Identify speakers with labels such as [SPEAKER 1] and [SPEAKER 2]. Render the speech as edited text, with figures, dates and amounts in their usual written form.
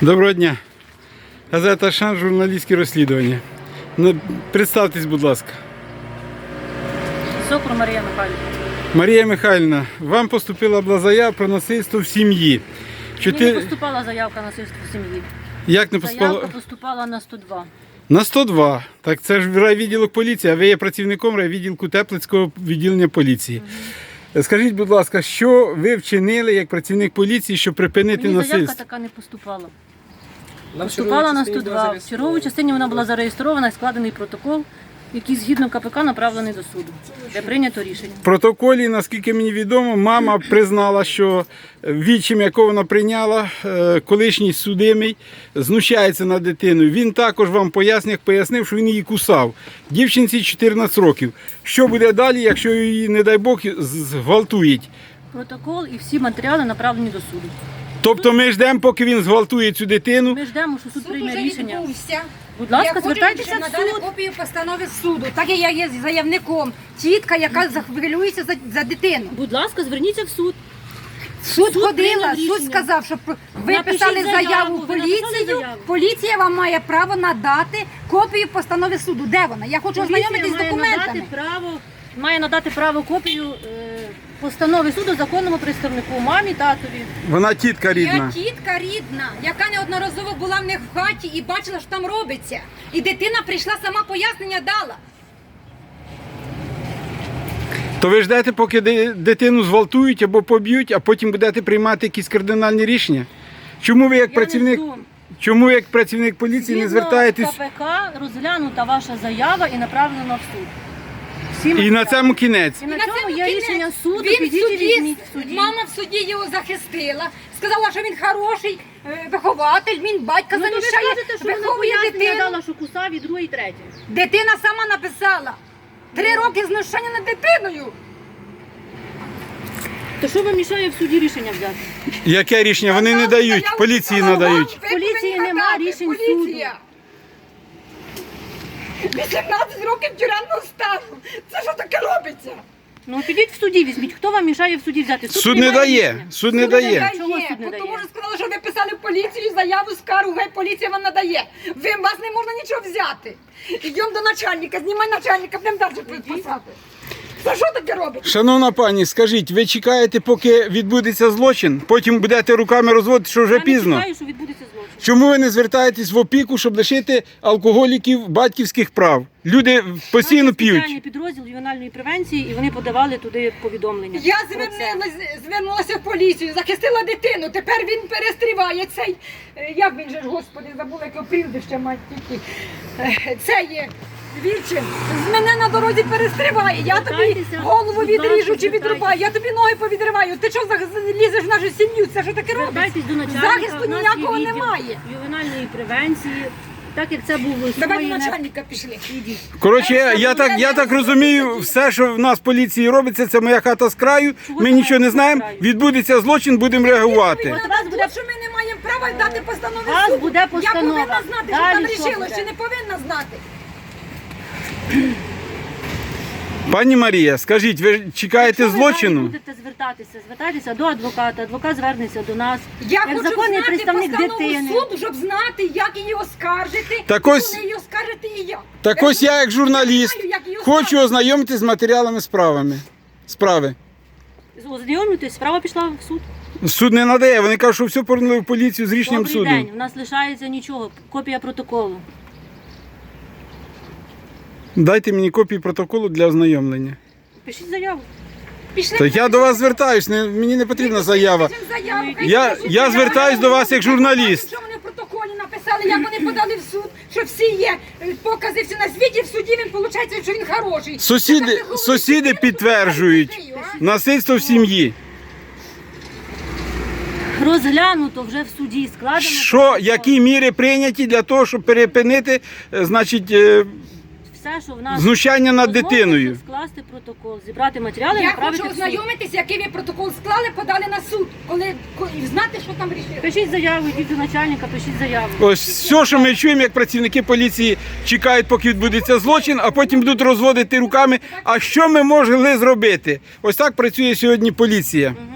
[SPEAKER 1] Доброго дня. Газета «Шанс», журналістські розслідування. Представтесь, будь ласка.
[SPEAKER 2] Сокур Марія Михайлівна.
[SPEAKER 1] Марія Михайлівна, вам поступила була заява про насильство в сім'ї.
[SPEAKER 2] Мені не поступала заявка на насильство в сім'ї.
[SPEAKER 1] Як не поступала?
[SPEAKER 2] Заявка поступала на 102.
[SPEAKER 1] На 102. Так це ж райвідділок поліції, а ви є працівником райвідділку Теплицького відділення поліції. Скажіть, будь ласка, що ви вчинили як працівник поліції, щоб припинити
[SPEAKER 2] Мені заявка
[SPEAKER 1] насильство?
[SPEAKER 2] така не поступала. Поступала на 102. В черговій частині вона була зареєстрована і складений протокол, який згідно КПК направлений до суду, де прийнято рішення.
[SPEAKER 1] В протоколі, наскільки мені відомо, мама признала, що відчим, якого вона прийняла, колишній судимий, знущається над дитиною. Він також вам пояснив, що він її кусав. Дівчинці 14 років. Що буде далі, якщо її, не дай Бог, зґвалтують?
[SPEAKER 2] Протокол і всі матеріали направлені до суду.
[SPEAKER 1] Тобто ми ждемо, поки він зґвалтує цю дитину.
[SPEAKER 2] Ми ждемо, що суд прийме рішення.
[SPEAKER 3] Відбувся.
[SPEAKER 2] Будь ласка,
[SPEAKER 3] Я хочу,
[SPEAKER 2] звертайтеся
[SPEAKER 3] щоб
[SPEAKER 2] в
[SPEAKER 3] надали
[SPEAKER 2] суд.
[SPEAKER 3] копію постанови суду, так як я є заявником. Тітка, яка хвилюється за дитину.
[SPEAKER 2] Будь ласка, зверніться в суд.
[SPEAKER 3] Суд ходила,
[SPEAKER 2] прийняв
[SPEAKER 3] суд
[SPEAKER 2] рішення.
[SPEAKER 3] сказав, що ви
[SPEAKER 2] Напишіть
[SPEAKER 3] писали
[SPEAKER 2] заяву,
[SPEAKER 3] заяву в
[SPEAKER 2] ви написали
[SPEAKER 3] поліцію,
[SPEAKER 2] заяву.
[SPEAKER 3] поліція вам має право надати копію постанови суду. Де вона? Я хочу ознайомитись з
[SPEAKER 2] Поліція
[SPEAKER 3] документами.
[SPEAKER 2] має надати право копію постанови суду законному представнику, мамі, татові.
[SPEAKER 1] Вона тітка рідна.
[SPEAKER 3] Я тітка рідна, яка неодноразово була в них в хаті і бачила, що там робиться. І дитина прийшла, сама пояснення дала.
[SPEAKER 1] То ви ждете, поки дитину зґвалтують або поб'ють, а потім будете приймати якісь кардинальні рішення? Чому ви як працівник, чому ви як працівник поліції не звертаєтесь?
[SPEAKER 2] КПК розглянута ваша заява і направлена в суд. Всі
[SPEAKER 1] І на
[SPEAKER 2] матеріали.
[SPEAKER 1] цьому кінець.
[SPEAKER 2] І на
[SPEAKER 3] На
[SPEAKER 2] цьому
[SPEAKER 3] цьому
[SPEAKER 2] є
[SPEAKER 3] кінець.
[SPEAKER 2] рішення суду,
[SPEAKER 3] Він в
[SPEAKER 2] підіть і
[SPEAKER 3] суді,
[SPEAKER 2] візьміть в суді.
[SPEAKER 3] мама в суді його захистила, сказала, що він хороший вихователь, він батька
[SPEAKER 2] Ну, то ви
[SPEAKER 3] замішає,
[SPEAKER 2] скажете, що вона
[SPEAKER 3] виховує
[SPEAKER 2] пояснення
[SPEAKER 3] дитину.
[SPEAKER 2] дала, що кусав і друге, і третє.
[SPEAKER 3] Дитина сама написала. 3 роки знущання над дитиною.
[SPEAKER 2] То що вам мішає в суді рішення взяти?
[SPEAKER 1] Яке рішення? Вони не дають, поліції надають.
[SPEAKER 3] Ви
[SPEAKER 2] Поліції
[SPEAKER 3] повинні
[SPEAKER 2] нема
[SPEAKER 3] надати,
[SPEAKER 2] рішень
[SPEAKER 3] поліція. 18 років тюремного стажу. Це що таке робиться?
[SPEAKER 2] Ну підіть в суді, візьміть. Хто вам мішає в суді взяти?
[SPEAKER 1] Суд не
[SPEAKER 2] приймає
[SPEAKER 1] дає,
[SPEAKER 2] рішення.
[SPEAKER 1] суд не дає.
[SPEAKER 2] Чого суд не
[SPEAKER 3] Тому
[SPEAKER 2] дає?
[SPEAKER 3] що сказали, що ви писали в поліцію заяву, скаргу, гай поліція вам надає. Вас не можна нічого взяти. Йдемо до начальника, знімай начальника, будемо далі писати. Це що таке робить?
[SPEAKER 1] Шановна пані, скажіть, ви чекаєте, поки відбудеться злочин? Потім будете руками розводити, що вже
[SPEAKER 2] Я не
[SPEAKER 1] пізно?
[SPEAKER 2] чекаю, що відбудеться злочин.
[SPEAKER 1] Чому ви не звертаєтесь в опіку, щоб лишити алкоголіків батьківських прав? Люди постійно
[SPEAKER 2] Наш
[SPEAKER 1] п'ють.
[SPEAKER 2] спеціальний підрозділ ювенальної превенції, і вони подавали туди повідомлення.
[SPEAKER 3] Я
[SPEAKER 2] про це.
[SPEAKER 3] звернулася в поліцію, захистила дитину, тепер він перестріває цей, як він же ж, господи, забула, яке прізвище мать тільки. Це є Вільчин, з мене на дорозі перестріває, я тобі
[SPEAKER 2] Звертайтеся,
[SPEAKER 3] голову
[SPEAKER 2] будь
[SPEAKER 3] відріжу
[SPEAKER 2] ласка,
[SPEAKER 3] чи відрубаю, я тобі ноги повідриваю, ти що лізеш в нашу сім'ю, це що таке робить?
[SPEAKER 2] Звертайтесь до начальника.
[SPEAKER 3] Захисту
[SPEAKER 2] у нас
[SPEAKER 3] ніякого
[SPEAKER 2] є відділ
[SPEAKER 3] немає.
[SPEAKER 2] ювенальної превенції, так як це був
[SPEAKER 3] Давай до начальника пішли.
[SPEAKER 1] Коротше, я так розумію, все, що в нас в поліції робиться, це моя хата з краю, ми нічого не знаємо, відбудеться злочин, будемо реагувати.
[SPEAKER 3] От вас буде, що ми не маємо права дати постанови
[SPEAKER 2] Вас
[SPEAKER 3] суду.
[SPEAKER 2] буде постанова.
[SPEAKER 3] Я повинна знати, що
[SPEAKER 2] Далі
[SPEAKER 3] там
[SPEAKER 2] що
[SPEAKER 3] рішило,
[SPEAKER 2] буде?
[SPEAKER 3] чи не повинна знати.
[SPEAKER 1] Пані Марія, скажіть, ви чекаєте
[SPEAKER 2] Якщо ви далі
[SPEAKER 1] злочину?
[SPEAKER 2] будете звертатися до адвоката, адвокат звернеться до нас.
[SPEAKER 3] Я
[SPEAKER 2] як
[SPEAKER 3] хочу
[SPEAKER 2] законний
[SPEAKER 3] знати
[SPEAKER 2] представник
[SPEAKER 3] постанову
[SPEAKER 2] дитини.
[SPEAKER 3] суду, щоб знати, як її оскаржити.
[SPEAKER 1] Так
[SPEAKER 3] і
[SPEAKER 1] ось-
[SPEAKER 3] коли її оскаржити і як.
[SPEAKER 1] Так ось я, як журналіст,
[SPEAKER 3] знаю, як її
[SPEAKER 1] хочу
[SPEAKER 3] оскаржити.
[SPEAKER 1] ознайомитись з матеріалами справи.
[SPEAKER 2] Ознайомлюйтесь, справа пішла в суд.
[SPEAKER 1] Суд не надає, вони кажуть, що все повернули в поліцію з рішенням
[SPEAKER 2] Добрий
[SPEAKER 1] суду.
[SPEAKER 2] день, у нас лишається нічого, копія протоколу.
[SPEAKER 1] Дайте мені копію протоколу для ознайомлення.
[SPEAKER 2] Пишіть заяву.
[SPEAKER 3] Пішли.
[SPEAKER 1] То я до вас звертаюсь, мені не потрібна заява.
[SPEAKER 3] Пишемо заяву, хай
[SPEAKER 1] Я-
[SPEAKER 3] напишуть
[SPEAKER 1] я
[SPEAKER 3] заяву.
[SPEAKER 1] звертаюсь до вас як журналіст.
[SPEAKER 3] Що вони в протоколі написали, як вони подали в суд, що всі є покази всі на світі, в суді він виходить, що він хороший.
[SPEAKER 1] Сусіди підтверджують насильство в сім'ї.
[SPEAKER 2] Розглянуто вже в суді, складено.
[SPEAKER 1] Що,
[SPEAKER 2] протокол.
[SPEAKER 1] які міри прийняті для того, щоб перепинити, значить,
[SPEAKER 2] Все, що в нас
[SPEAKER 1] знущання над
[SPEAKER 2] розмовилося,
[SPEAKER 1] дитиною?
[SPEAKER 2] скласти протокол, зібрати матеріали і
[SPEAKER 3] Я
[SPEAKER 2] направити
[SPEAKER 3] хочу
[SPEAKER 2] в суд.
[SPEAKER 3] ознайомитись, який ви протокол склали, подали на суд, і знати, що там рішили.
[SPEAKER 2] Пишіть заяву, йдіть до начальника, пишіть заяву.
[SPEAKER 1] Ось все, що ми чуємо, як працівники поліції чекають, поки відбудеться злочин, а потім будуть розводити руками. А що ми могли зробити? Ось так працює сьогодні поліція.